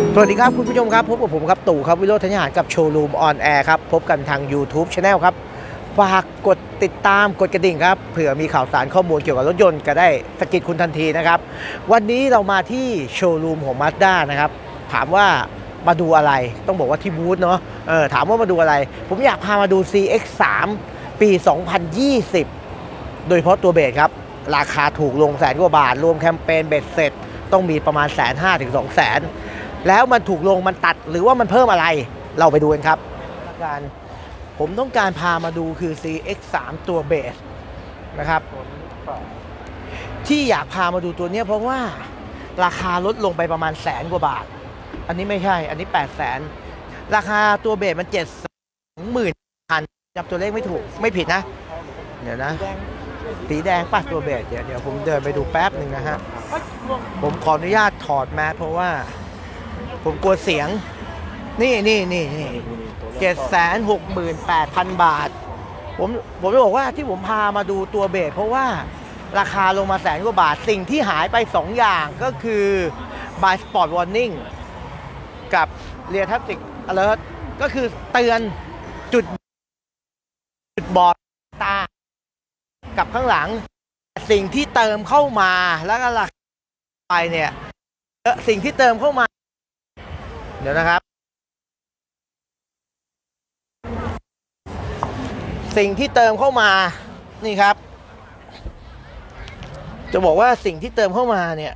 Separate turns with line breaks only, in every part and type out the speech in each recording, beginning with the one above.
สวัสดีครับคุณผู้ชมครับพบกับผมครับตู่ครับวิโรจน์ธัญญาหารกับโชว์รูมออนแอร์ครับพบกันทาง YouTube Channel ครับฝากกดติดตามกดกระดิ่งครับเผื่อมีข่าวสารข้อมูลเกี่ยวกับรถยนต์ก็ได้สกิดคุณทันทีนะครับวันนี้เรามาที่โชว์รูมของ Mazda นะครับถามว่ามาดูอะไรต้องบอกว่าที่บูธเนาะถามว่ามาดูอะไรผมอยากพามาดู CX-3 ปี 2020 โดยเฉพาะตัวเบสครับราคาถูกลง100,000 กว่าบาทรวมแคมเปญเบ็ดเสร็จต้องมีประมาณ 150,000 ถึง 200,000แล้วมันถูกลงมันตัดหรือว่ามันเพิ่มอะไรเราไปดูกันครับผมต้องการพามาดูคือ CX-3 ตัวเบสนะครับที่อยากพามาดูตัวนี้เพราะว่าราคาลดลงไปประมาณ100,000 กว่าบาทอันนี้ไม่ใช่อันนี้800,000ราคาตัวเบสมัน70,000จับตัวเลขไม่ถูกไม่ผิดนะเดี๋ยวนะสีแดงป่ะตัวเบสเดี๋ยวผมเดินไปดูแป๊บหนึ่งนะฮะผมขออนุญาตถอดแมสเพราะว่าผมกลัวเสียงนี่768,000 บาทผมจะบอกว่าที่ผมพามาดูตัวเบสเพราะว่าราคาลงมา100,000 กว่าบาทสิ่งที่หายไป2อย่างก็คือ by spot warning กับ rear traffic alert ก็คือเตือนจุดบอดตากับข้างหลังสิ่งที่เติมเข้ามาแล้วก็ราคาไปเนี่ยสิ่งที่เติมเข้ามาเดี๋ยวนะครับสิ่งที่เติมเข้ามานี่ครับจะบอกว่าสิ่งที่เติมเข้ามาเนี่ย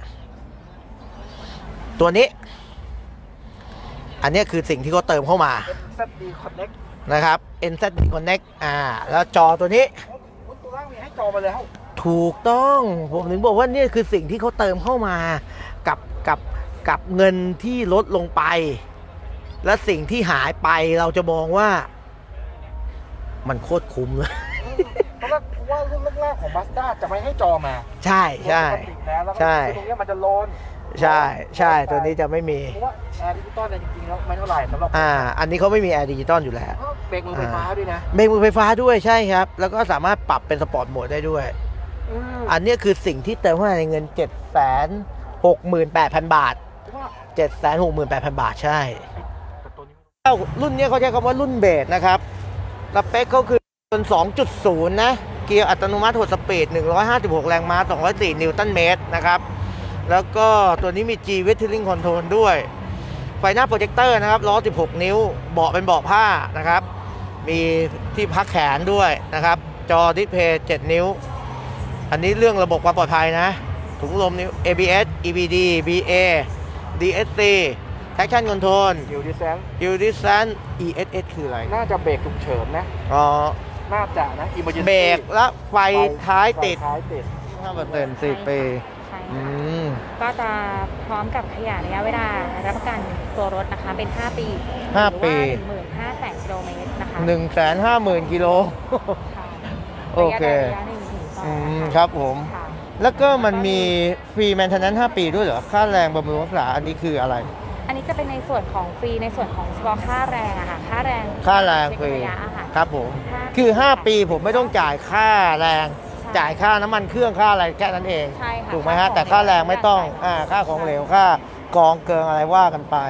ตัวนี้อันนี้คือสิ่งที่เขาเติมเข้ามา
NZD Connect
นะครับ NZD Connect แล้วจอตัวนี้
ตัวล่างมีให้จอมาแล้ว
ถูกต้องผมถึงบอกว่านี่คือสิ่งที่เขาเติมเข้ามากับเงินที่ลดลงไปและสิ่งที่หายไปเราจะมองว่ามันโคตรคุ้มเลย
เพราะว่ารุ่นแรกๆของ Mazda จะไม่ให้จอมา
ใช่
ใช่ตรงนี้มันจะโลน
ใช่ตัวนี้จะไม่มี
เพราะว่าแอร์ดิจิตอลเนี่ยจริงๆแล้วไม่เท่าไหร่สำหรับ
อันนี้เขาไม่มีแอร์ดิจิตอลอยู่แล้ว
เบรกมือไฟฟ้าด้วยนะ
เบรกมือไฟฟ้าด้วยใช่ครับแล้วก็สามารถปรับเป็นสปอร์ตโหมดได้ด้วยอันนี้คือสิ่งที่เติมเข้ามาในเงิน 768,000 บาท 768,000 บาทใช่รุ่นนี้เขาใช้คำว่ารุ่นเบสนะครับสเปคเขาคือเป็น 2.0 นะเกียร์อัตโนมัติ6 สปีด156 แรงม้า204 นิวตันเมตรนะครับแล้วก็ตัวนี้มี G Weathering Control ด้วยไฟหน้าโปรเจคเตอร์นะครับล้อ16 นิ้วเบาะเป็นเบาะผ้านะครับมีที่พักแขนด้วยนะครับจอดิสเพย์7 นิ้วอันนี้เรื่องระบบความปลอดภัยนะถุงลมนิ้ว ABS EBD BA DSC Traction Control Hill Descent ESS คืออะไร
น่าจะเบรกฉุกเฉินนะน่าจะนะ
เบรกและไฟท้ายติด 5% 4 ปี
ก็จะพร้อมกับขยายระยะเวลารับประกันตัวรถนะคะเป็น5 ปี15,000 กิโลเมตรนะคะ
150,000 กิโลโอเคครับผมแล้วก็มันมีฟรีแมนเทนแนนซ์5 ปีด้วยเหรอค่าแรงบำรุงรักษาอันนี้คืออะไร
อันนี้จะเป็นในส่วนของฟรีในส่วนของเฉพาะค่าแรงอะค่ะค่าแรง
ฟรีครับผมคือ5 ปีผมไม่ต้องจ่ายค่าแรงจ่ายค่าน้ำมันเครื่องค่าอะไรแค่นั้นเองถูกไหมฮะแต่ค่าแรงไม่ต้องค่าของเหลวค่ากองเกินอะไรว่ากันไป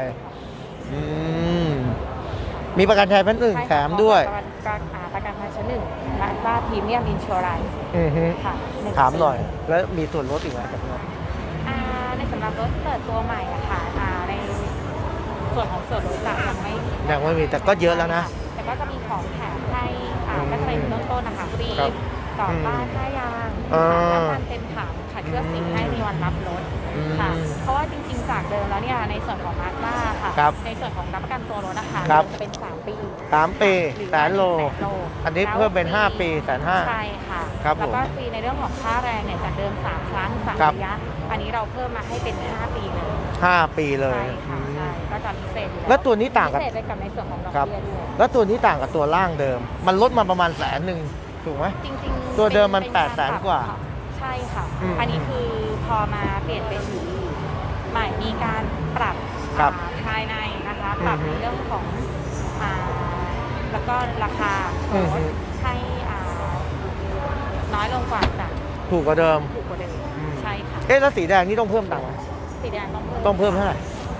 มีประกันภัยชั้น 1แถมด้วย
ประกันภัยชั้น 1 Mazda Premium Insurance ค่ะ
ถามหน่อยแล้วมีส่วนลดอีกไหมครับ
ในสำหรับรถเปิดตัวใหม่อะค่ะในส่วนของส่วนลดยังไม่
มีแต่ก็เยอะแล้วนะ
แต่ก็จะมีของแถมให้ก็จะเป็นเริ่มต้นนะคะฟรีต่อป้ายค่ายางและการเต็มถังค่ะเชื่อสิ่งให้มีวันรับรถค่ะเพราะว่าจริงๆจากเดิมแล้วเนี่ยในส่วนของ Mazda ค่ะในส่วนของรับประกันตัวรถนะคะจะเป็น3 ปี
100,000 โลอันนี้เพิ่มเป็น5 ปี150,000
ใช่ค่ะแล้วก็ฟรีในเรื่องของค่าแรงเนี่ยจากเดิม3 ครั้ง3 ระยะอันนี้เราเพิ่มมาให้เป็น5 ปีเลย
5 ปีเลย
ใช่ก็จะพิเศษ
แล้วตัวนี้ต่าง
กับพิเศษเลยกับในส่วนของดอกเบี้ยด้วย
แล้วตัวนี้ต่างกับตัวล่างเดิมมันลดมาประมาณ100,000ถูกไหม
จริงๆ
ตัวเดิมมัน800,000 กว่า
ใช่ค่ะอันนี้คือพอมาเปลี่ยนเป็นใหม่มีการปรับภายในนะคะปรับในเรื่องของแล้วก็ราคาให้น้อยลงกว่าจาก
ถูกกว่าเดิม
ใช่ค่ะ
แล้วสีแดงนี่ต้องเพิ่มตังค์ไหม
สีแดง
ต้องเพิ่มเท่าไหร่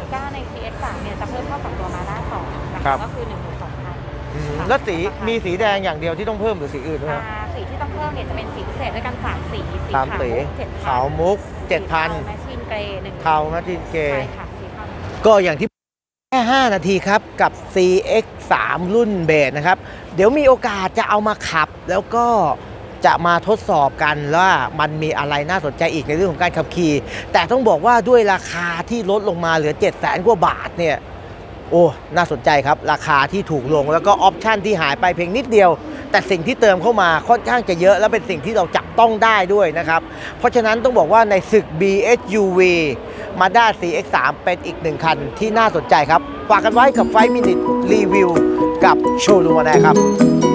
ใน CX3 เนี่ยจะเพิ่มเข้ากับตัวมาด้า2นะ
ครั
คะ
บ
ก็คือ 12,000
แล้วสีแดงอย่างเดียวที่ต้องเพิ่มหรือสีอื่นด้วยครับ
สีที่ต้องเพิ่มเนี่ยจะเป็นสีพิเศษด้วยกัน3สี สี
สาม
ขาว
สี
มุก
ขาวมุก
7,000
7,000
แมชชีนเกรย์1
เทามาตินเก
ใช่ค่ะสีเทา
ก็อย่างที่แค่ 5 นาทีครับกับ CX3 รุ่นเบสนะครับ เดี๋ยวมีโอกาสจะเอามาขับ แล้วก็จะมาทดสอบกันว่ามันมีอะไรน่าสนใจอีกในเรื่องของการขับขี่ แต่ต้องบอกว่าด้วยราคาที่ลดลงมาเหลือ 700,000 กว่าบาทเนี่ย โอ้ น่าสนใจครับ ราคาที่ถูกลงแล้วก็ออปชันที่หายไปเพียงนิดเดียว แต่สิ่งที่เติมเข้ามาค่อนข้างจะเยอะ และเป็นสิ่งที่เราจับต้องได้ด้วยนะครับ เพราะฉะนั้นต้องบอกว่าในศึก BSUV Mazda CX3 เป็นอีกหนึ่งคันที่น่าสนใจครับ ฝากกันไว้กับ5 Minute Review กับโชว์รูมนะครับ